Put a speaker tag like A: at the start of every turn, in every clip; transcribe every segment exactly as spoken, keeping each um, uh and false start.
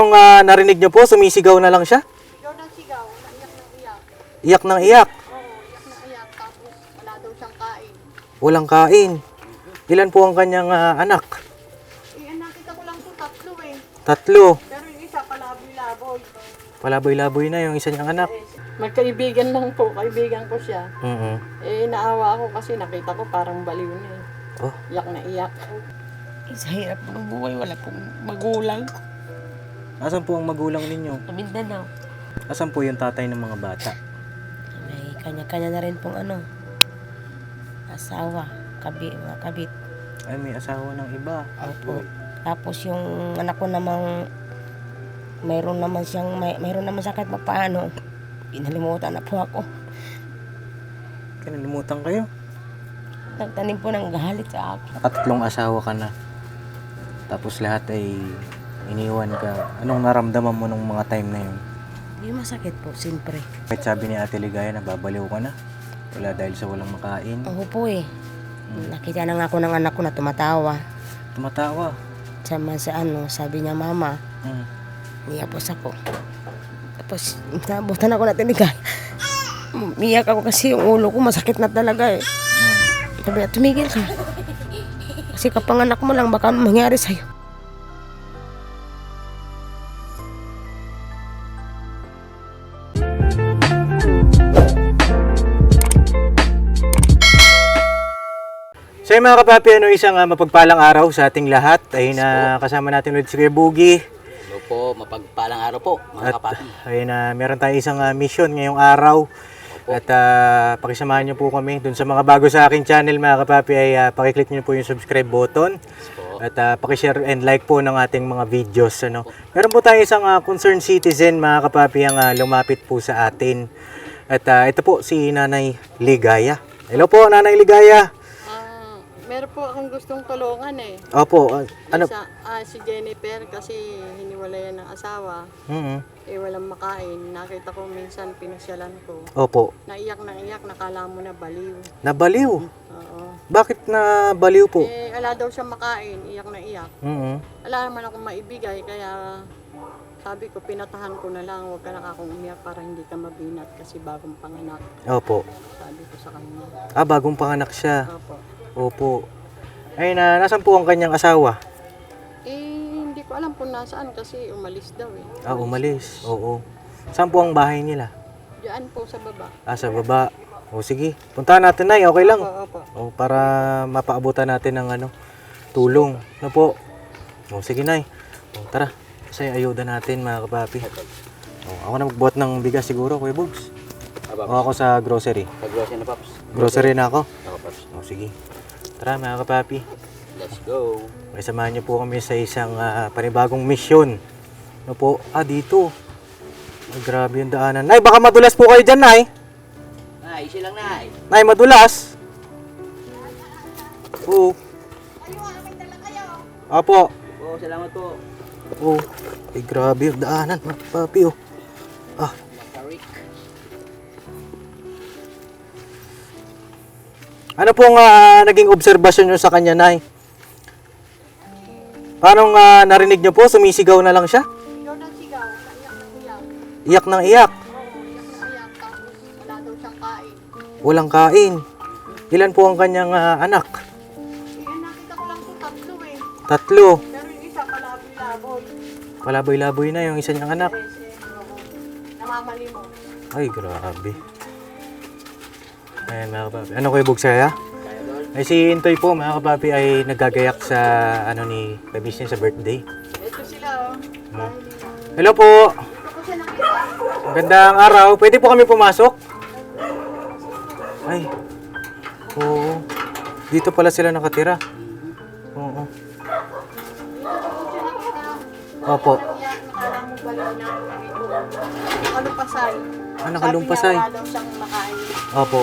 A: Anong ah, narinig niyo po? Sumisigaw na lang siya?
B: Sigaw ng sigaw, naiyak ng iyak.
A: Iyak ng iyak.
B: Oo, iyak ng iyak. Tapos wala daw siyang kain.
A: Walang kain. Ilan po ang kanyang ah, anak?
B: Eh, ang nakita ko lang po tatlo eh.
A: Tatlo.
B: Pero yung isa palaboy-laboy.
A: Palaboy-laboy na yung isa niyang anak.
B: Magkaibigan lang po, kaibigan ko siya.
A: Mhm.
B: Eh, naawa ako kasi nakita ko parang baliw na eh.
A: Oh,
B: Iyak na iyak.
C: Sa hirap ng buhay, wala pong magulang.
A: asan po ang magulang ninyo?
C: Sa Mindanao.
A: Asan po yung tatay ng mga bata?
C: May kanya-kanya na rin pong ano, asawa, kabi, mga kabit.
A: Ay, may asawa ng iba.
C: Opo. Tapos yung anak ko namang, mayroon naman siyang, may, mayroon naman sakit pa paano. Inalimutan na po ako.
A: Kinalimutan kayo.
C: Nagtanim po ng galit sa akin.
A: Nakatatlong asawa ka na. Tapos lahat ay iniwan ka. Anong naramdaman mo nung mga time na yun?
C: Hindi masakit po, siyempre.
A: Kahit sabi ni Ate Ligaya na babaliw ka na. Wala dahil sa walang makain.
C: Ako po eh. Nakita na nga ako ng anak ko na tumatawa.
A: Tumatawa.
C: Sama sa ano, sabi niya, mama,
A: Hmm.
C: niyapos ako. Tapos, nabutan ako na tinigay. Miyak ako kasi yung ulo ko masakit na talaga eh. Sabi niya, tumigil ka. Kasi kapanganak mo lang, baka mangyari sa'yo.
A: So yun mga kapapi, ano, isang uh, mapagpalang araw sa ating lahat. Ay na kasama natin ulit si Kuya Boogie.
D: Hello po, mapagpalang araw po mga
A: At
D: kapapi.
A: ayun na, meron tayong isang uh, mission ngayong araw. At uh, pakisamahan niyo po kami. Dun sa mga bago sa aking channel mga kapapi ay uh, pakiclick niyo po yung subscribe button.
D: Po.
A: At uh, pakishare and like po ng ating mga videos. Ano. Meron po tayong isang uh, concerned citizen mga kapapi ang uh, lumapit po sa atin. At uh, ito po si Nanay Ligaya. Hello po Nanay Ligaya.
B: Ah, meron po akong gustong tulungan eh.
A: Opo, uh, ano?
B: Isa, ah, si Jennifer kasi hiniwalayan ng asawa.
A: Mhm.
B: Eh, walang makain. Nakita ko minsan pinasyalan ko.
A: Opo,
B: Naiyak na iyak, nakala mo na baliw.
A: nabaliw.
B: Oo.
A: Bakit na baliw po?
B: Eh, wala daw siyang makain, iyak na iyak.
A: Mhm.
B: Wala naman akong maibigay, kaya sabi ko, pinatahan ko na lang, huwag ka na akong umiyak para hindi ka mabinat kasi bagong panganak.
A: Opo.
B: Sabi ko sa kanya.
A: Ah, bagong panganak siya.
B: Opo.
A: Opo. Ay na, nasan po ang kanyang asawa?
B: Eh, hindi ko alam kung nasaan kasi umalis daw eh.
A: Ah, umalis. Oo. Saan po ang bahay nila?
B: Diyan po sa baba.
A: Ah, sa baba. O sige, puntahan natin na, okay lang.
B: Opo, opo.
A: O, para mapaabutan natin ng ano, tulong. Ano po? O, sige Nay. O, tara. Kasi ayuda natin mga kapapi. O, ako na magbuhat ng bigas siguro, Kuya Bugs.
D: Ah, Paps.
A: O, ako sa grocery.
D: Pag-grocery na, Paps.
A: Grocery na ako.
D: Ako, Paps.
A: O, sige. Tara mga kapapi.
D: Let's go.
A: May samahan niyo po kami sa isang ah, panibagong misyon. Ano po? Ah, dito. Ay, grabe yung daanan. Nay, baka madulas po kayo dyan, Nay.
D: Nay, easy lang, Nay.
A: Nay, madulas. Oo. Apo.
D: Po, salamat po.
A: Oo. Ay, grabe yung daanan, mga papi, oh. Ah,
D: Makarik.
A: ano pong ah, naging obserbasyon nyo sa kanya, Nay? Paano ah, narinig nyo po? Sumisigaw na lang siya?
B: Sigaw ng sigaw, naiyak ng iyak.
A: Iyak ng iyak.
B: Oo, iyak na iyak. Tapos wala daw siyang kain.
A: Walang kain. Ilan po ang kanyang ah, anak?
B: Eh, ang nakita ko lang po tatlo eh.
A: Tatlo.
B: Pero yung isa palaboy-laboy.
A: Palaboy-laboy na yung isa niyang anak.
B: Yes, eh, oo. Namamali mo.
A: Ay, grabe. Ayan mga kapapi. Ano kayo bugsaya? Ay si Intoy po mga kapapi ay nagagayak sa ano ni Kabis niya sa birthday.
B: Ito sila oh. Dahil
A: Hello po.
B: ito ko siya nakita.
A: Magandang araw. Pwede po kami pumasok? Ay. Oo. Dito pala sila nakatira. Oo. Opo.
B: Iyak, nakala mo baliw na. Nakalumpasay.
A: Ah, nakalumpasay.
B: Sabi niya wala daw siyang makain.
A: Opo.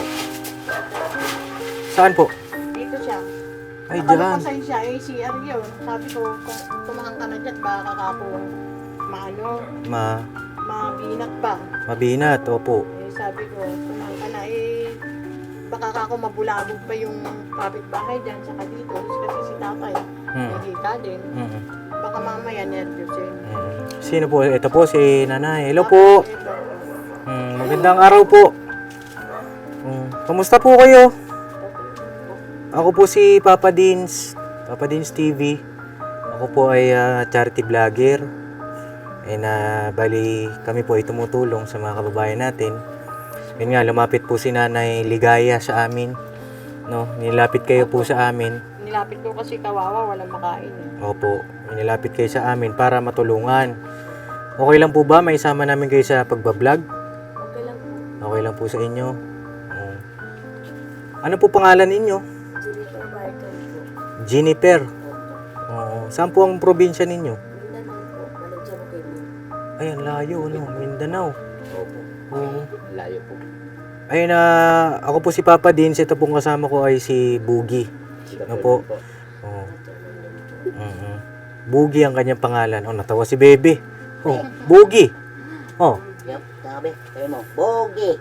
A: Saan po?
B: Dito siya.
A: Ay, dyan.
B: Nakalumpasay siya. Eh, C R yun. Sabi ko, kung tumahang ka na dyan, baka kako maano,
A: Ma
B: mabinat ba?
A: mabinat. Opo.
B: Eh, sabi ko, tumahang ka na. Eh, baka kako mabulabog pa yung kapitbahay dyan, saka dito. Kasi si tatay,
A: Hmm.
B: may hika din.
A: Mm.
B: Baka mamaya nervous yun.
A: Mm. Sino po? Ito po si Nanay. Hello po. Hmm, magandang araw po. Hmm, kamusta po kayo? Ako po si Papa Dins, Papa Dins T V. Ako po ay ah, charity vlogger. And uh, bali kami po ay tumutulong sa mga kababayan natin. Yun nga, lumapit po si Nanay Ligaya sa amin. No, nilapit kayo po sa amin.
B: Nilapit ko kasi kawawa, walang makain. Eh.
A: Opo, nilapit kayo sa amin para matulungan. Okay lang po ba? May isama namin kayo sa pagbablog?
C: Okay lang po.
A: Okay lang po sa inyo. Oo. Ano po pangalan ninyo?
C: Jennifer Barton po.
A: Jennifer. Oo. Saan po ang probinsya ninyo?
C: Mindanao po. Malaysia po kayo.
A: Ay, ang layo, ano? Mindanao.
D: Opo.
A: Oo.
D: Layo po.
A: Ayun na, ako po si Papa Dins. Ito pong kasama ko ay si Boogie. Ano po? Oo. Mhm. Boogie ang kanyang pangalan. Oh, natawa si Bebe. Oh, Boogie. Oh.
D: Yup, sabi. Sabi mo, Bogi.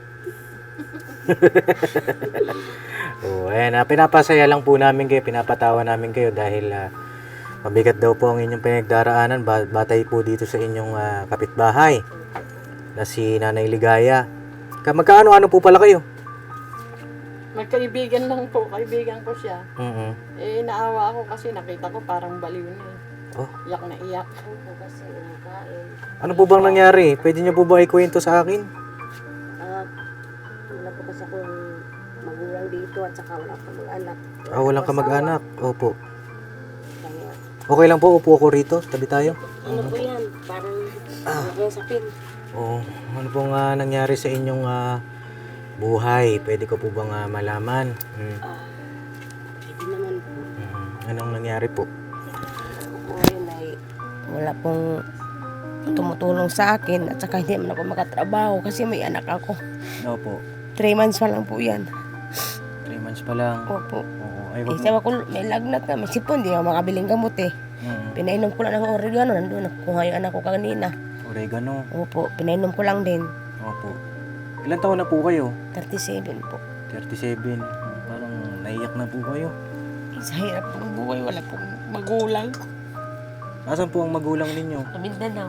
A: Oh, ayan, ah, pinapasaya lang po namin kayo, pinapatawa namin kayo dahil ah, mabigat daw po ang inyong pinagdaraanan ba- batay po dito sa inyong ah, kapitbahay na si Nanay Ligaya. Ka- Magkaano-ano po pala kayo?
B: Magkaibigan lang po, kaibigan ko siya.
A: Mhm.
B: Eh, naawa ako kasi nakita ko parang baliw na eh.
A: Oh,
B: Iyak na iyak.
C: Opo kasi nakain.
A: ano po bang nangyari? Pwede niyo po ba ikwento sa akin?
C: Ah, wala po kasi akong magulang dito at saka wala akong mag-anak.
A: Ah, walang kamag-anak. Opo.
C: Kaya,
A: Okay lang po, upo ako rito. Tabi tayo.
C: ano po yan? Parang ano po yung sapin.
A: Oh, ano pong ah, nangyari sa inyong ah, buhay? Pwede ko po bang ah, malaman? Hmm.
C: Ah, pwede naman po.
A: Mhm. Anong nangyari po?
C: Po yun ay wala pong tumutulong sa akin at saka hindi naman ako makatrabaho kasi may anak ako.
A: Opo.
C: Three months pa lang po yan.
A: Three months pa lang.
C: Opo.
A: Oo. Ay,
C: Eh,
A: wag mo.
C: sabi ko, may lagnat na, may sipon, di ako makabiling gamot eh.
A: Mhm.
C: Pinainom ko lang ng oregano, nandun, nakuha yung anak ko kanina.
A: Oregano.
C: Opo, pinainom ko lang din.
A: Opo. Ilan taon na po kayo?
C: thirty-seven po.
A: thirty-seven. Hmm, Parang naiyak na po kayo.
C: Sa hirap ng buhay, wala pong magulang.
A: Asan po ang magulang ninyo?
C: Sa Mindanao.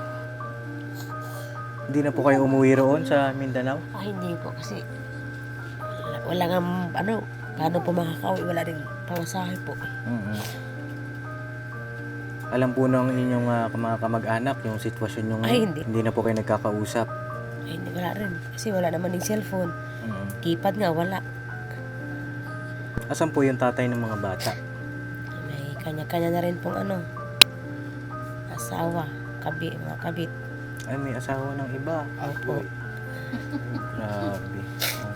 A: Hindi na po kayo umuwi roon sa Mindanao?
C: Ah, hindi po kasi wala, wala nga, ano, paano po makakauwi, wala rin pamasahe po.
A: Mhm. Alam po ng inyong ah, mga kamag-anak yung sitwasyon nyo
C: Ay,
A: ngayon?
C: hindi.
A: na po kayo nagkakausap?
C: Ay, hindi, wala rin. Kasi wala naman yung cellphone.
A: Mhm.
C: Keypad nga, wala.
A: Asan po yung tatay ng mga bata?
C: May kanya-kanya na rin pong ano, asawa, kabi, mga kabit.
A: Ay, may asawa ng iba.
C: Opo.
A: Grabe. Oh.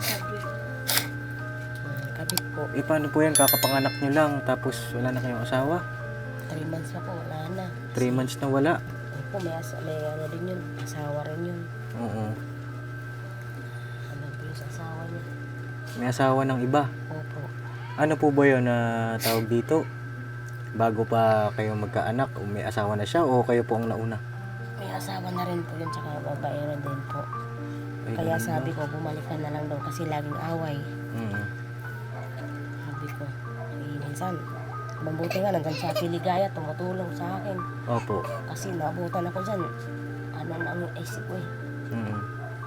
C: Mga kabit po.
A: Eh, paano po yan? Kakapanganak nyo lang, tapos wala na kayong asawa?
C: Three months pa po, wala na.
A: Three months na wala.
C: Opo, may, asa, may ano din yun, asawa rin yun.
A: Oo.
C: Ano po yung asawa niya?
A: May asawa ng iba.
C: Opo.
A: Ano po ba yun na tawag dito? Bago pa kayo magkaanak, o may asawa na siya o kayo po ang nauna?
C: May asawa na rin po yun, tsaka babae rin din po.
A: Ay,
C: Kaya
A: ganun
C: sabi
A: ba?
C: ko, bumalik ka na lang daw kasi laging away.
A: Mm.
C: Sabi ko, eh, minsan, mabuti nga, nandun sa Piligaya, tumutulong sa akin.
A: Opo.
C: Kasi nabutan ako dyan. Ano na ang isip ko eh.
A: Mm.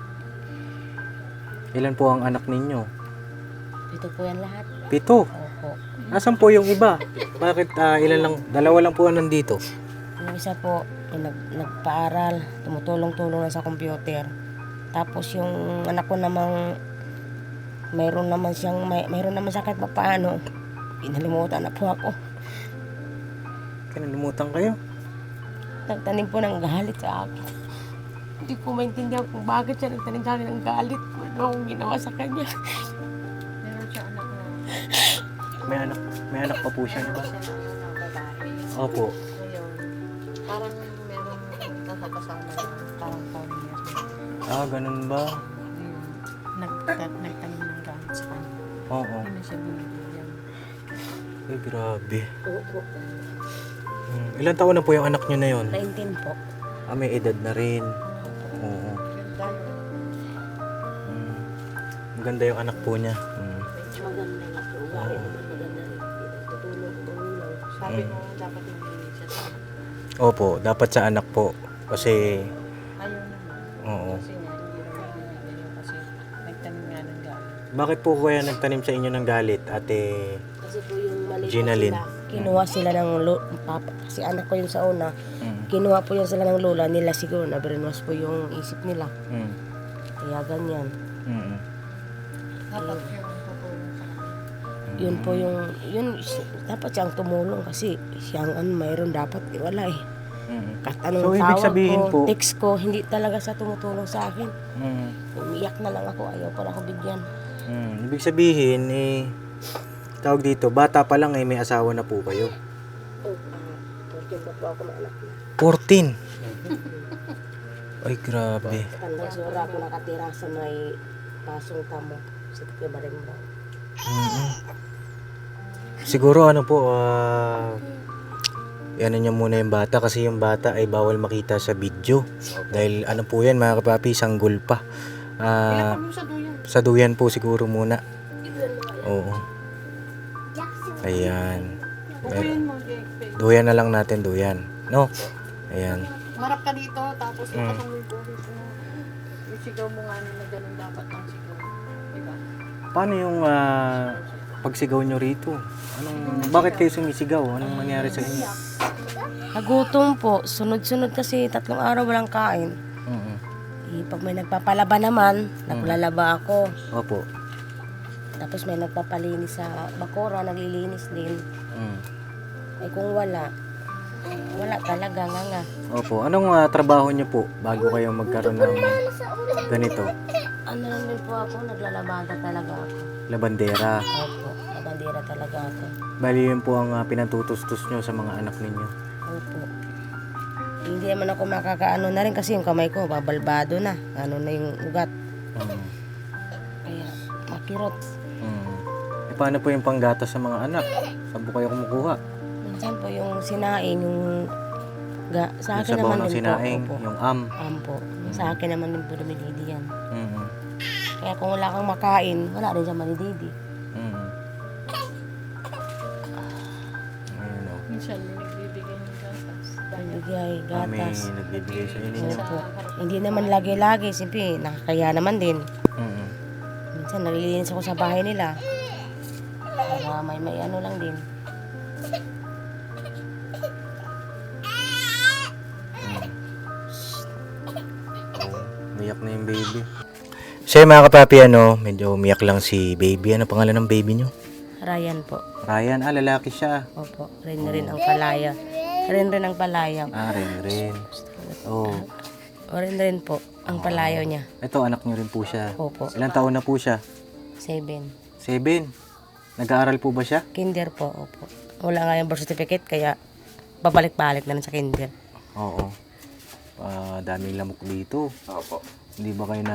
A: Ilan po ang anak ninyo?
C: Ito po yan lahat.
A: Pito.
C: Opo.
A: Nasaan po yung iba? Bakit ah, ilan lang? Dalawa lang po ang nandito.
C: Yung isa po, yung nag, nagpaaral, tumutulong-tulong na sa computer. Tapos yung anak ko namang, mayroon naman siyang, may, mayroon naman sakit pa paano. Pinalimutan na po ako.
A: Kinalimutan kayo?
C: Nagtanim po ng galit sa akin. Hindi ko maintindihan kung bakit siya nagtanim sa akin ng galit. Ano akong ginawa sa kanya.
B: Meron siya anak na
A: May anak, may anak pa po siya, di ba?
B: siya na babae.
A: Opo.
B: Ngayon, parang meron nakakasama na parang four years.
A: Ah, ganun ba?
B: Nag, nag, nagtanim ng gamit sa kanya.
A: Oo.
B: Hindi na siya binibigyan.
A: Ay, grabe.
C: Opo.
A: Hmm. Ilan taon na po yung anak nyo na yun?
C: nineteen po.
A: Ah, may edad na rin. Oo. Hmm. Maganda yung anak po niya. Hmm.
C: Maganda nga po. Ugali naman maganda rin. Tutulong, tutulong.
B: Sabi ko, dapat hindi siya sa
A: Opo, dapat sa anak po. Kasi,
B: Ayaw naman.
A: oo.
B: Kasi nga, hindi naman binibigay yun kasi nagtanim nga ng galing.
A: Bakit po kaya nagtanim sa inyo ng galit, Ate?
C: Kasi po yung mali po
A: Ginalyn.
C: sila. Kinuha sila ng lo- papa. Kasi anak ko yung sa una.
A: Mm.
C: Kinuha po yun sila ng lola nila siguro. Na-brainwash po yung isip nila.
A: Mm.
C: Kaya ganyan.
A: Mm.
B: Dapat yung tutulong sa kanila.
C: Yun po yung, yun, dapat siyang tumulong kasi siyang ano, mayroon dapat, eh, wala eh.
A: Mm.
C: Kahit anong
A: So, ibig
C: tawag
A: sabihin
C: ko,
A: po,
C: text ko, hindi talaga siya tumutulong sa akin.
A: mm.
C: Umiyak na lang ako, ayaw pala ako bigyan.
A: Mm. Ibig sabihin, eh, tawag dito, bata pa lang eh, may asawa na po kayo.
C: Oh, uh, porque pa po ako na anak na.
A: fourteen. Ay, grabe.
C: Hanggang sura ako nakatira sa may pasong tamo. Sa Tikyo Barimba.
A: Mm. Siguro ano po, ah, ano niya muna yung bata kasi yung bata ay bawal makita sa video. Dahil ano po yan mga kapapi, sanggol pa. Ah,
B: Ano sa duyan?
A: sa duyan po siguro muna. Oo. Ayan.
B: Bukuyin mo, Jake.
A: Duyan na lang natin, duyan. No? Ayan.
B: Marap ka dito, tapos
A: Mm.
B: ipasok mo yung buhis mo. Yung sigaw mo nga na ganun dapat ang sigaw. Diba?
A: Paano yung ah, pagsigaw nyo rito? Anong, bakit kayo sumisigaw? Anong nangyari sa inyo?
C: Nagutom po. Sunod-sunod kasi tatlong araw walang kain.
A: Mm.
C: Eh, pag may nagpapalaba naman, naglalaba ako.
A: Opo.
C: Tapos may nagpapalinis sa bakura, naglilinis din.
A: Mm.
C: Ay kung wala, wala talaga nga nga.
A: Opo. Anong ah, trabaho nyo po bago kayo magkaroon ng ganito?
C: Ano lang din po ako, naglalabada talaga ako.
A: Labandera.
C: Opo, nabandera talaga ako.
A: Bali yun po ang ah, pinatutustos nyo sa mga anak ninyo.
C: Opo. Hindi naman ako makakaano na rin kasi yung kamay ko, babalbado na. Ano na yung ugat.
A: Mm.
C: Kaya, makirot.
A: Mm. E paano po yung panggata sa mga anak? Saan po kayo kumukuha?
C: Minsan po yung sinain, yung ga, sa
A: Yung
C: akin
A: sabaw
C: naman
A: ng
C: din
A: sinaing,
C: po. Opo.
A: yung am.
C: Ampo. Sa akin naman din po dumididi yan.
A: Mm.
C: Kaya kung wala kang makain, wala rin siya manididi.
A: Mm. Ayun o.
B: Minsan may nagbibigay ng gatas. Dahil
C: Bigay,
A: Kami
C: gatas.
A: nagbibigay sa inyo.
C: Opo. Hindi naman lagi-lagi, siyempre, nakakaya naman din.
A: Mm.
C: Minsan nalilinis ako sa bahay nila. Para may may ano lang din.
A: Umiyak na yung baby. So mga kapapi, ano, medyo umiyak lang si baby. Ano pangalan ng baby nyo?
C: Ryan po.
A: Ryan, ah, lalaki siya.
C: Opo. Rin rin ang palaya. Rin rin ang palaya.
A: Ah, rin rin. Oh,
C: O rin rin po ang palayo niya.
A: ito anak nyo rin po siya.
C: Opo.
A: Ilang taon na po siya?
C: Seven.
A: Seven. Nag-aaral po ba siya?
C: Kinder po. Opo. Wala nga yung birth certificate kaya babalik-balik na lang sa kinder.
A: Oo. Ah, daming lamok dito.
D: Opo.
A: Hindi ba kayo na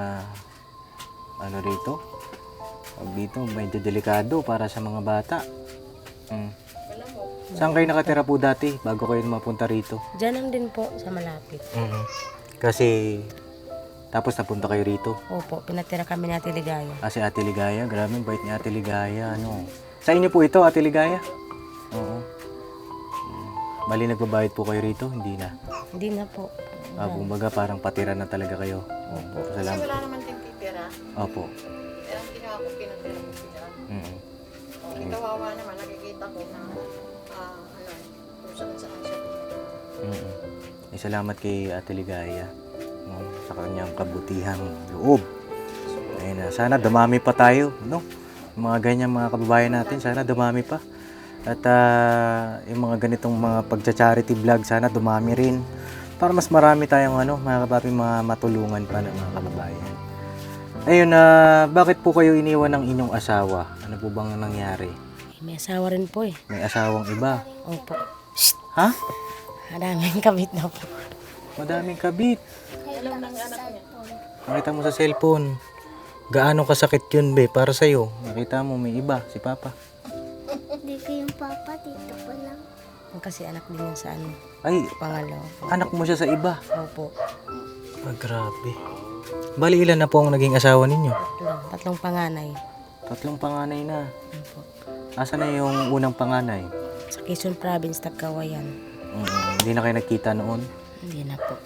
A: ano rito? Pag dito, medyo delikado para sa mga bata. Mm. Saan kayo nakatira po dati bago kayo mapunta rito?
C: Diyan lang din po sa malapit.
A: Mm. Kasi tapos napunta kayo rito.
C: Opo, pinatira kami ni Ate Ligaya.
A: Ah, si Ate Ligaya, grabe ang bait ni Ate Ligaya, ano. Sa inyo po ito, Ate Ligaya? Oo. Mm. Bali nagbabayad po kayo rito? Hindi na.
C: Hindi na po.
A: Ah, kumbaga parang patira na talaga kayo. Opo.
B: kasi
A: Salamat.
B: wala naman din titira.
A: Opo.
B: Kaya ang ginawa ko, pinatira ko sila.
A: Mm.
B: O, di kawawa naman, nakikita ko na ah, ano, kung saan saan siya tumira.
A: Mm. Eh, salamat kay Ate Ligaya, no, sa kanyang kabutihang loob. Ayun na, sana dumami pa tayo, no? Yung mga ganyan mga kababayan natin, sana dumami pa. At ah, yung mga ganitong mga pagcha-charity vlog, sana dumami rin. Para mas marami tayong ano, mga kapapi, mga matulungan pa ng mga kababayan. Ayun, na bakit po kayo iniwan ng inyong asawa? Ano po bang nangyari?
C: Eh, may asawa rin po eh.
A: May asawang iba.
C: Opo.
A: Ha?
C: Maraming kabit na po.
A: Madaming kabit.
B: Alam ng anak niya.
A: Nakita mo sa cellphone. Gaano kasakit yun, be, para sa'yo? Nakita mo, may iba, si Papa.
E: Hindi ko yung papa, dito pa lang.
C: Kasi anak din yan sa ano,
A: Ay,
C: pangalaw.
A: anak mo siya sa iba.
C: Opo.
A: Ah, grabe. Bali, ilan na po ang naging asawa ninyo?
C: Tatlo. Tatlong panganay.
A: Tatlong panganay na.
C: Opo.
A: Asa na yung unang panganay?
C: Sa Quezon Province, Tagkawayan.
A: Mm, hindi na kayo nagkita noon?
C: Hindi na po.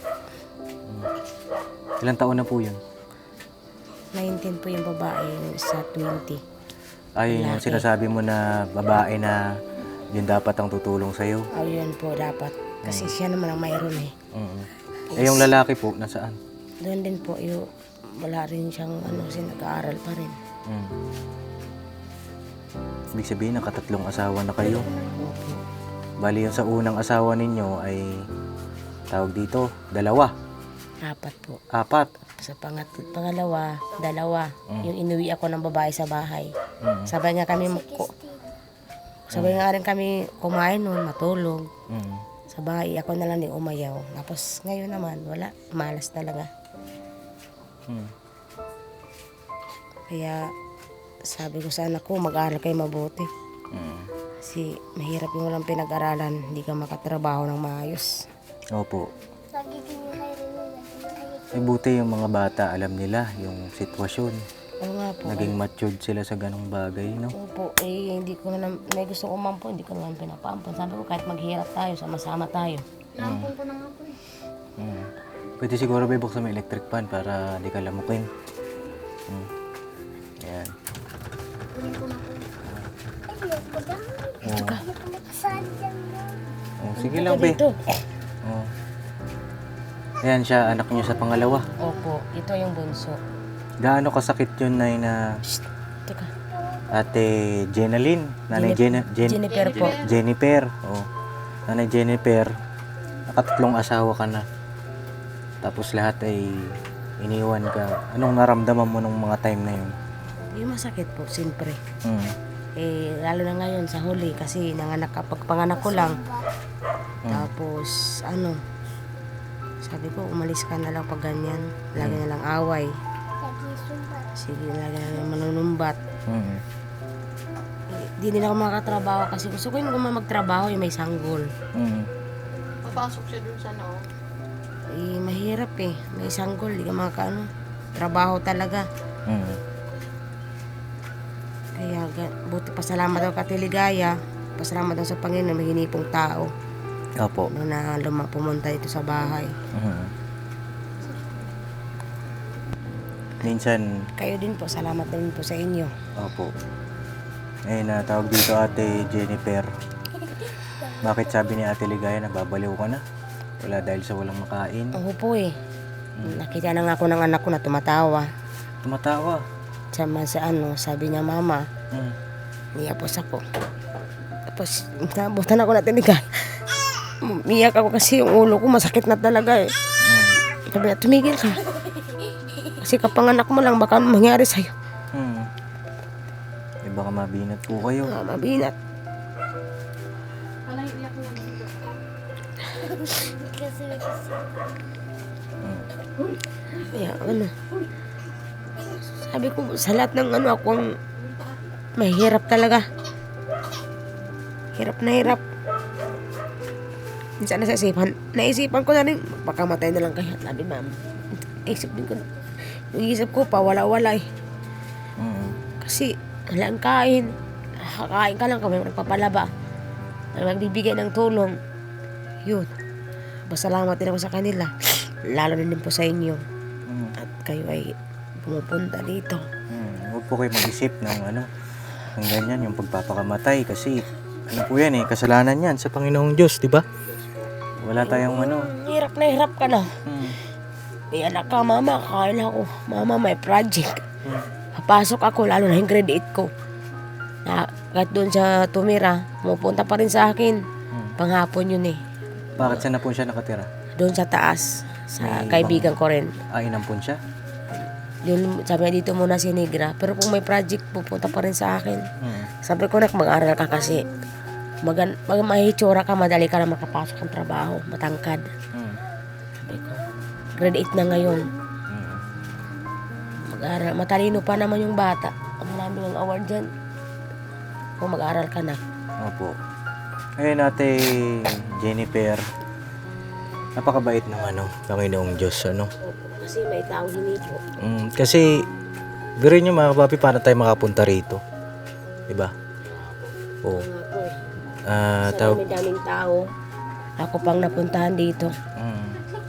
A: Ilang taon na po yun?
C: nineteen po yung babae, yung isa twenty.
A: Ay, yung
C: Lalaki.
A: sinasabi mo na babae na yun dapat ang tutulong sa'yo.
C: Ayun po dapat. Kasi siya naman ang mayroon eh.
A: Mm. Eh, yung lalaki po, nasaan?
C: Doon din po yung wala rin siyang ano, kasi nag-aaral pa rin.
A: Mm. Ibig sabihin, nakatatlong asawa na kayo.
C: Opo.
A: Bali, yung sa unang asawa ninyo ay tawag dito, dalawa,
C: Apat po.
A: apat.
C: Sa pangat pangalawa, dalawa. Yung inuwi ako ng babae sa bahay.
A: Mm.
C: Sabay nga kami ko, sabay nga rin kami kumain noon, matulog.
A: Mm.
C: Sa bahay, ako na lang din umayaw. Tapos ngayon naman, wala. Malas talaga.
A: Mm.
C: Kaya sabi ko sa anak ko, mag-aaral kayo mabuti.
A: Mm.
C: Kasi mahirap yung walang pinag-aralan, hindi ka makatrabaho ng maayos.
A: Opo.
E: Lagi kinakain rin nila.
A: Eh, buti yung mga bata, alam nila yung sitwasyon.
C: Oo nga po.
A: Naging matured sila sa ganong bagay, no?
C: Opo, eh hindi ko na, may gusto ko umampo, hindi ko naman pinapaampon. Sabi ko kahit maghirap tayo, sama-sama tayo.
B: Nampun ko na nga po eh.
A: Mm. Pwede siguro ba buksan mo electric fan para di ka lamukin. Mm. Ayan.
B: Kunin ko na po.
E: Ayoko na.
A: Oh.
E: Ayoko nakasali dyan na.
A: Oh, sige lang, be.
C: Dito.
A: Oh. Ayan siya, anak niyo sa pangalawa.
C: Opo, ito yung bunso.
A: Gaano kasakit yun, Nay, na
C: Shh, teka.
A: Ate Jenaline? Nanay Jen Jen
C: Jennifer po.
A: Jennifer. Oh. Nanay Jennifer, nakatatlong asawa ka na. Tapos lahat ay iniwan ka. Anong naramdaman mo nung mga time na yun?
C: Yung masakit po, siyempre.
A: Mm.
C: Eh, lalo na ngayon sa huli kasi nanganak kapag panganak ko lang. Tapos, ano, sabi ko, umalis ka na lang pag ganyan. Lagi na lang away.
E: Lagi sumbat.
C: Sige, lagi na lang manunumbat.
A: Mm.
C: Eh, di nila ako makatrabaho kasi gusto ko yung kung magtrabaho, yung may sanggol.
A: Mm.
B: Papasok siya dun sa no.
C: Eh, mahirap eh. May sanggol, di ka makaano. Trabaho talaga.
A: Mm.
C: Kaya, ga- buti pasalamat daw ka Tiligaya. Pasalamat daw sa Panginoon, may hinipong tao.
A: Opo.
C: Nung na luma pumunta dito sa bahay.
A: Mm. Minsan,
C: Kayo din po, salamat din po sa inyo.
A: opo. Eh, natawag dito Ate Jennifer. Bakit sabi ni Ate Ligaya na babaliw ka na? Wala dahil sa walang makain.
C: Ako po eh. Nakita na nga ako ng anak ko na tumatawa.
A: Tumatawa.
C: Sama sa ano, sabi niya, Mama,
A: Mm.
C: niyapos ako. Tapos, nabutan ako na tinigal. Umiyak ako kasi yung ulo ko masakit na talaga eh.
A: Mm.
C: Sabi niya, tumigil ka. Kasi kapanganak mo lang, baka ano mangyari sa'yo.
A: Mm. Eh, baka mabinat po kayo.
C: Ah, mabinat.
B: Wala iiyak na dito.
E: Kasi kasi.
A: Mm.
C: Kaya ano, sabi ko, sa lahat ng ano, ako ang mahirap talaga. Hirap na hirap. Minsan nasa isipan, naisipan ko na rin, baka matay na lang kaya. Sabi, ma'am, isip din ko na. Yung isip ko pa, wala-wala eh.
A: Mm.
C: Kasi, wala ang kain. Kakain ka lang kami, magpapalaba. May magbibigay ng tulong. Yun. Pasalamat din ako sa kanila. Lalo na din po sa inyo.
A: Mm.
C: At kayo ay pumupunta dito.
A: Mm. Huwag po kayo mag-isip ng ano, ng ganyan, yung pagpapakamatay. Kasi, ano po yan eh, kasalanan yan sa Panginoong Diyos, di ba? Wala tayong ano.
C: Hirap na hirap ka na.
A: Mm.
C: May anak ka, mama, kakain ako. Mama, may project.
A: Mm.
C: Papasok ako, lalo na yung grade eight ko. Na, kahit doon sa tumira, pumupunta pa rin sa akin.
A: Mm.
C: Panghapon yun eh.
A: Bakit saan na po siya nakatira?
C: Doon sa taas, sa
A: May
C: kaibigan ko rin.
A: Ah, inampun siya?
C: Yun, sabi niya dito muna si Negra. Pero kung may project, pupunta pa rin sa akin.
A: Mm.
C: Sabi ko, nak, mag-aral ka kasi. Mag, mag mahitsura ka, madali ka na makapasok ng trabaho. Matangkad.
A: Mm.
C: Sabi ko, grade eight na ngayon.
A: Mm.
C: Mag-aral. Matalino pa naman yung bata. Ang marami ng award dyan. Kung mag-aral ka na.
A: Opo. Ngayon, Ate Jennifer, napakabait ng ano, Panginoong Diyos, ano?
C: Kasi may taong hinito.
A: Mm, kasi, birin nyo mga kapapi, paano tayo makapunta rito? Diba? Oo.
C: Nga po eh.
A: Ah,
C: Sa
A: tawag,
C: dami-daming tao. Ako pang napuntahan dito.
A: mm,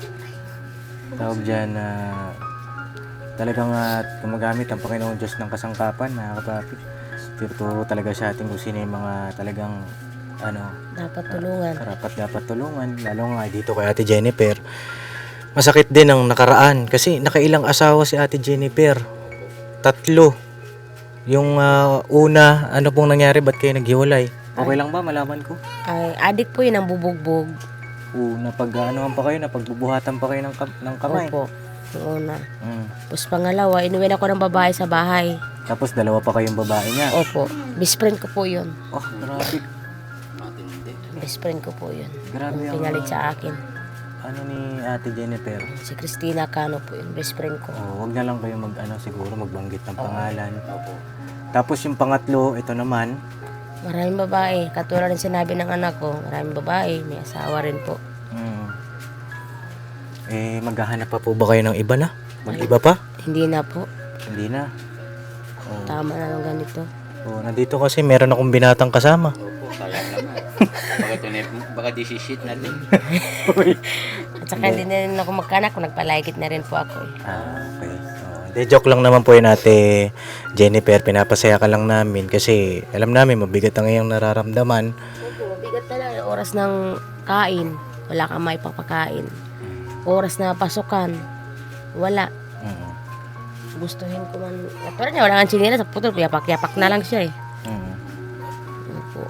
A: tawag dyan na talagang uh, gumagamit ang Panginoon Diyos ng kasangkapan, mga kapapi. Tinuturo talaga sa atin kung sino yung mga talagang ano,
C: Dapat tulungan.
A: karapat dapat tulungan, lalo nga dito kay Ate Jennifer. Masakit din ang nakaraan kasi nakailang asawa si Ate Jennifer. Tatlo. Yung ah, una, ano pong nangyari, ba't kayo naghiwalay? Okay lang ba, malaman ko?
C: Ay, adik po yun ang bubugbog.
A: Oo, napag anuhan pa kayo, napagbubuhatan pa kayo ng, kam- ng kamay.
C: Opo. Yung una.
A: Mm.
C: Tapos pangalawa, inuwi ako ng babae sa bahay.
A: Tapos dalawa pa kayong babae niya.
C: Opo. Best friend ko po yun.
A: Oh, grabe.
C: Best friend ko po yun.
A: Grabe ang
C: Pinalit sa akin.
A: ano ni Ate Jennifer.
C: Si Christina Cano po yun. Best friend ko.
A: Oh, wag na lang kayo mag ano siguro magbanggit ng pangalan. Tapos yung pangatlo, ito naman.
C: Maraming babae. Katulad ng sinabi ng anak ko, maraming babae. May asawa rin po.
A: Mm. Eh, maghahanap pa po ba kayo ng iba na? Mag-iba pa?
C: Hindi na po.
A: Hindi na. Oh.
C: Tama na ng ganito.
A: Oh, nandito kasi meron akong binatang kasama.
F: Opo, sayang naman. Baka, tunay, baka disishit natin.
C: At saka hindi na rin ako magkanak. Kung nagpalaikit na rin po ako. Eh.
A: Ah, okay. Oh, hindi, joke lang naman po yun, Ate Jennifer. Pinapasaya ka lang namin kasi alam namin mabigat ang iyong nararamdaman.
C: Opo, mabigat talaga. Oras ng kain. Wala kang may papakain. Oras na pasukan. Wala.
A: Mm.
C: Gustuhin ko man. Katulad niya, wala kang chinila sa putol. Yapak-yapak na lang siya eh.
A: Mm.
C: Opo.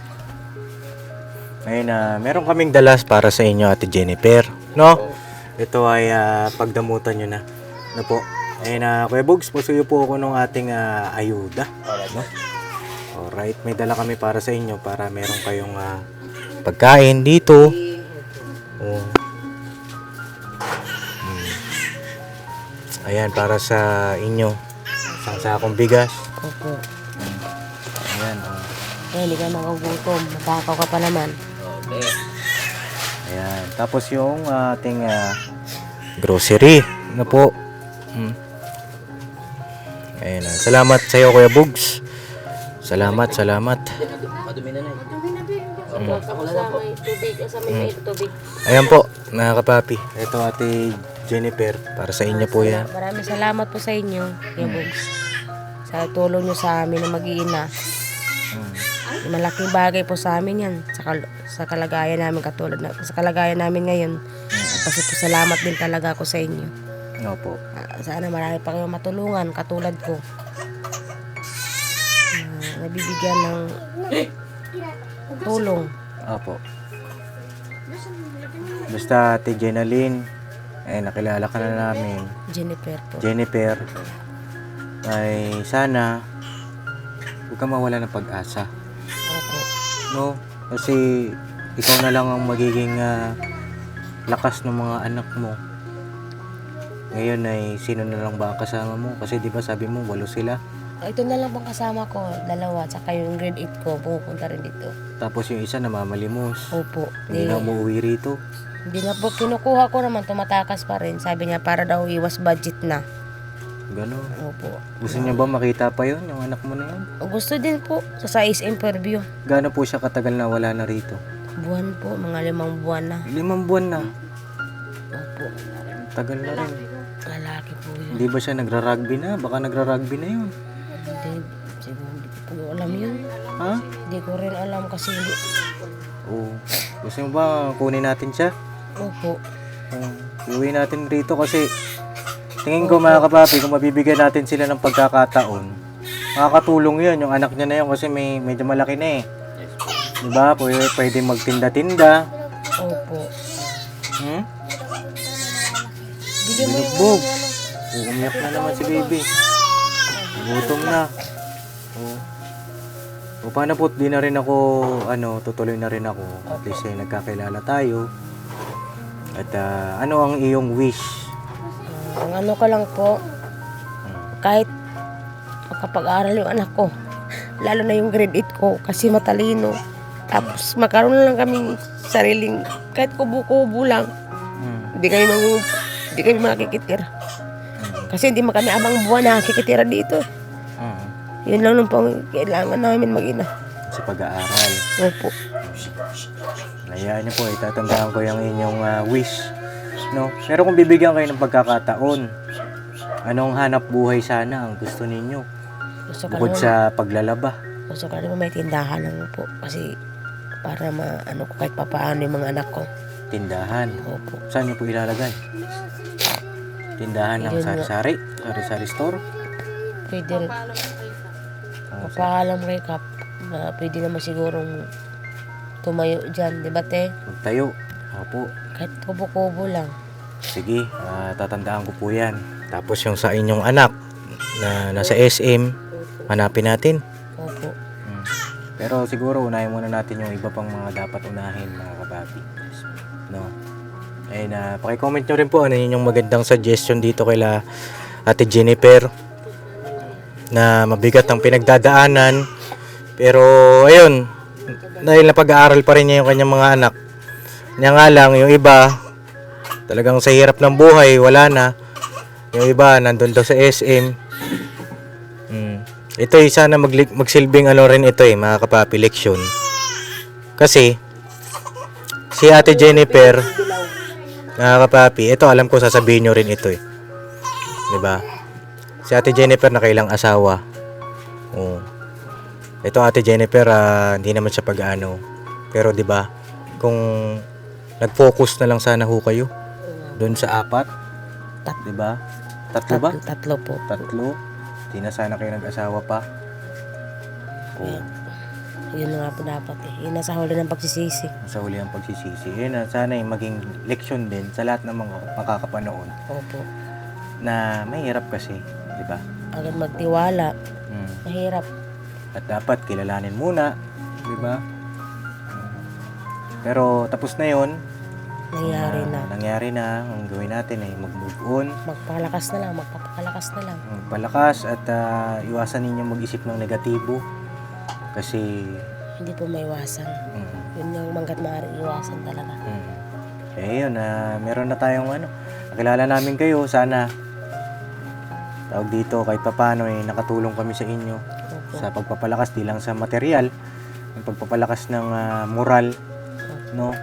A: Ngayon na meron kaming dalas para sa inyo, Ate Jennifer. No? Ito ay ah, pagdamutan nyo na. Ano po? Ayun na, Kuya Bugs, pusuyo po ako ng ating ah, ayuda. No? Alright, may dala kami para sa inyo para meron kayong ah, pagkain dito. Oh. Hmm. Ayan, para sa inyo. Isang sakong bigas.
C: Opo.
A: Ayan, oh.
C: Eh, hindi ka magugutom. Matakaw ka pa naman.
A: Ayan. Tapos yung ating ah, grocery. Ano po? Hmm. Ayan. ah. Salamat sa iyo, Kuya Bugs. Salamat, salamat.
F: Madumi na na.
C: Opo, sa may tubig. Sa may may tubig.
A: Ayan po, mga kapapi. Ito, Ate Jennifer. Para sa inyo po yan.
C: Maraming salamat po sa inyo, Kuya Bugs. Sa tulong nyo sa amin na mag-iina.
A: Hmm.
C: Malaking bagay po sa amin yan. Sa, kal- sa kalagayan namin katulad na, sa kalagayan namin ngayon. Kasi po salamat din talaga ako sa inyo.
A: Ano po?
C: Ah, sana marami pa kayong matulungan katulad ko. Ah, nabibigyan ng tulong.
A: Opo. Basta, Ate Jenaline. Eh, nakilala ka na namin.
C: Jennifer po.
A: Jennifer. Ay, sana huwag ka mawala ng pag-asa.
C: Opo.
A: No? Kasi ikaw na lang ang magiging ah, lakas ng mga anak mo. Ngayon ay sino na lang ba ang kasama mo? Kasi di ba sabi mo walo sila.
C: Ah, ito na lang pong kasama ko, dalawa, tsaka yung grade eight ko, pupunta rin dito.
A: Tapos yung isa namamalimos.
C: Opo.
A: Hindi
C: Di-
A: na umuwi rito.
C: Hindi na po, kinukuha ko naman, tumatakas pa rin. Sabi niya, para daw iwas budget na.
A: Ganon.
C: Opo.
A: Gusto niya ba makita pa yon yung anak mo na yun?
C: Gusto din po, sa size interview.
A: Gaano po siya katagal na wala na rito?
C: Buwan po, mga limang buwan na.
A: Limang buwan na.
C: Opo.
A: Tagal na rin.
C: Lalaki po yun.
A: Hindi ba siya nagra-rugby na? Baka nagra-rugby na yun.
C: Hindi, siguro hindi ko po alam yun.
A: Ha?
C: Hindi ko rin alam kasi hindi.
A: Oo. Gusto mo ba kunin natin siya?
C: Opo.
A: Um, iuwi natin rito kasi tingin ko mga kapapi, kung mabibigyan natin sila ng pagkakataon, makakatulong yun, yung anak niya na yun kasi may medyo malaki na eh. Diba? Pwede, pwede magtinda-tinda.
C: Opo.
A: Hmm?
C: Bigyan mo yung
A: Binugbog.
C: ano.
A: Umiyak na naman si baby. Gutom na. Oo. O paano po, di na rin ako, ano, tutuloy na rin ako. At least eh, nagkakilala tayo. At ah, ano ang iyong wish?
C: Ah, ang ano ko lang po, kahit makapag-aral yung anak ko, lalo na yung grade eight ko, kasi matalino. Tapos magkaroon na lang kaming sariling, kahit kubo-kubo lang,
A: Hmm.
C: hindi kami mang, hindi kami makikitira. Kasi hindi man kami abang buwan nakikitira dito.
A: Hmm.
C: Yun lang nung pang kailangan namin mag-ina.
A: Sa pag-aaral.
C: Opo.
A: Hayaan niyo po, itatandaan ko yung inyong ah, wish. No? Pero kung bibigyan kayo ng pagkakataon, anong hanap buhay sana ang gusto ninyo?
C: Gusto ko
A: Bukod
C: naman,
A: sa paglalaba.
C: gusto ko naman may tindahan lang po. Kasi para ma, ano ko kahit papaano yung mga anak ko.
A: Tindahan.
C: Opo.
A: Saan nyo po ilalagay? Tindahan ng
C: Yun nga.
A: sari-sari? Sari-sari store?
C: Pwede rin.
B: Paalam ko kayo ka.
A: Oh, sa-
C: Papaalam kay Kap. Na pwede naman sigurong tumayo dyan. Di ba te?
A: Magtayo. Opo.
C: Kahit kubo-kubo lang.
A: Sige, ah, tatandaan ko po yan. Tapos yung sa inyong anak na nasa S M, hanapin natin.
C: Opo.
A: Hmm. Pero siguro unahin muna natin yung iba pang mga dapat unahin, mga kapapi. No? Ay na, paki-comment nyo rin po ano yun yung magandang suggestion dito kila Ate Jennifer na mabigat ang pinagdadaanan. Pero ayun, dahil napag-aaral pa rin niya yung kanyang mga anak. Niya nga lang, yung iba talagang sa hirap ng buhay, wala na. Yung iba nandun daw sa S M. Hmm. Ito ay sana magli- magsilbing ano rin ito eh, mga kapapi, leksyon. Kasi si Ate Jennifer, mga kapapi, ito alam ko sasabihin nyo rin ito eh. 'Di ba? Si Ate Jennifer nakailang asawa. Oh. Ito Ate Jennifer, ah, hindi naman siya pag-ano. Pero 'di ba? Kung nag-focus na lang sana ho kayo doon sa apat,
C: Tat-
A: 'di ba? Tatlo ba?
C: Tatlo, tatlo po.
A: Tatlo. Di na sana kayo nag-asawa pa. Oh,
C: Yun nga po dapat eh. Yun nasa huli ng pagsisisi.
A: sa huli ang pagsisisi. Yun na, sana yung maging leksyon din sa lahat ng mga makakapanood
C: Opo.
A: na mahirap kasi, di ba?
C: Agad magtiwala.
A: Mm.
C: Mahirap.
A: At dapat kilalanin muna, di ba? Mm. Pero tapos na yun.
C: Nangyari
A: Ah,
C: na.
A: Nangyari na. Ang gawin natin ay mag-move on,
C: Magpalakas na lang. Magpapakalakas na lang.
A: magpalakas at ah, iwasan ninyo mag-isip ng negatibo. Kasi,
C: Hindi po maiwasan.
A: mm,
C: Yun yung manggat maaari iwasan talaga.
A: mm. Eh yun, ah, meron na tayong ano, nakilala namin kayo, sana tawag dito kahit papano eh, nakatulong kami sa inyo
C: Opo.
A: sa pagpapalakas, di lang sa material, yung pagpapalakas ng ah, moral, no?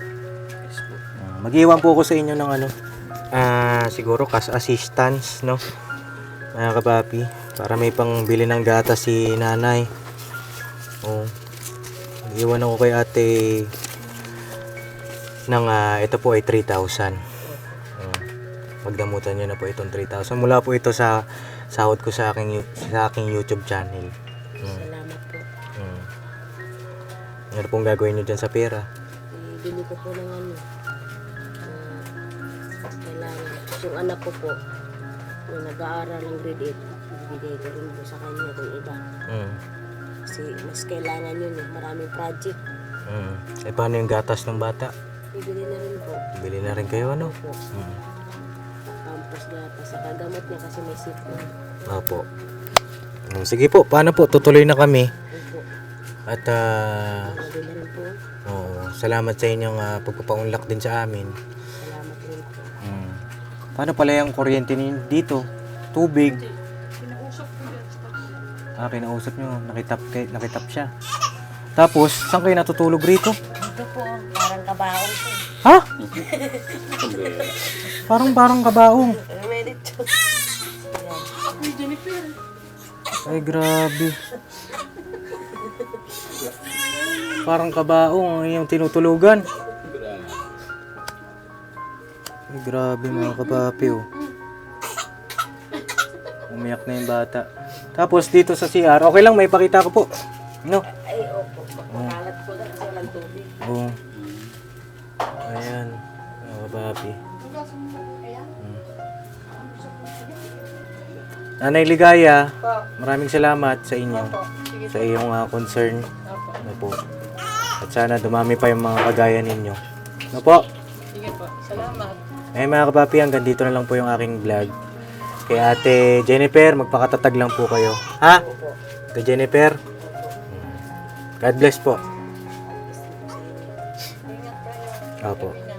A: Ah, mag-iwan po ako sa inyo ng ano, ah, siguro cash assistance, no? Mga kapapi, para may pangbili ng gatas si nanay. Oh. Mag-iwan ako kay ate ng ah, ito po ay three thousand. Oh. Magdamutan niyo na po itong three thousand. Mula po ito sa sahod ko sa aking yu- sa aking YouTube channel. Mm.
C: Salamat po.
A: Mm. Ano pong gagawin niyo dyan sa pera?
C: Ibili ko po ng ano. ah, kailangan. Tapos yung anak ko po, yung nag-aaral ng grade eight, bibigay ko rin po sa kanya kung iba.
A: Mm.
C: Kasi mas kailangan yun eh. Maraming project.
A: Mm. Eh paano yung gatas ng bata?
C: Bibili na rin po.
A: Bili na rin kayo ano?
C: Opo.
A: Mm.
C: Pampers gata. Sa kagamot niya kasi may sip na.
A: Opo. Mm, sige po, paano po? Tutuloy na kami.
C: Opo.
A: At ah,
C: Pagod na rin po.
A: oo, salamat sa inyong ah, pagpapaunlak din sa amin.
C: Salamat rin po.
A: Mm. Paano pala yung kuryente ninyo dito? Tubig?
B: Kinausap ko yan sa pag-
A: Ah, kinausap nyo. Nakitap, kay, nakitap siya. Tapos, saan kayo natutulog rito?
C: Dito po, parang kabaong po.
A: Ha? Parang parang kabaong.
C: May dito.
B: Uy, Jennifer.
A: Ay, grabe. Parang kabaong ang yung tinutulugan. Ay, grabe mga kapapi, oh. Umiyak na yung bata. Tapos dito sa C R, okay lang, may pakita ko po. No?
C: Ay, opo. Makalat po na kasi walang tubig.
A: Oo. Ayan. Mga kapapi. Hmm. Nanay Ligaya, maraming salamat sa inyo.
B: Sige
A: Sa iyong ah, concern.
B: Opo.
A: Ano po. At sana dumami pa yung mga kagaya ninyo. Ano po?
B: Sige po. Salamat.
A: Eh mga kapapi, hanggang dito na lang po yung aking vlog. Kay Ate Jennifer, magpakatatag lang po kayo. Ha? Ate Jennifer? Hmm. God bless po.
B: Ingat kayo.
A: Opo.
B: Ingat.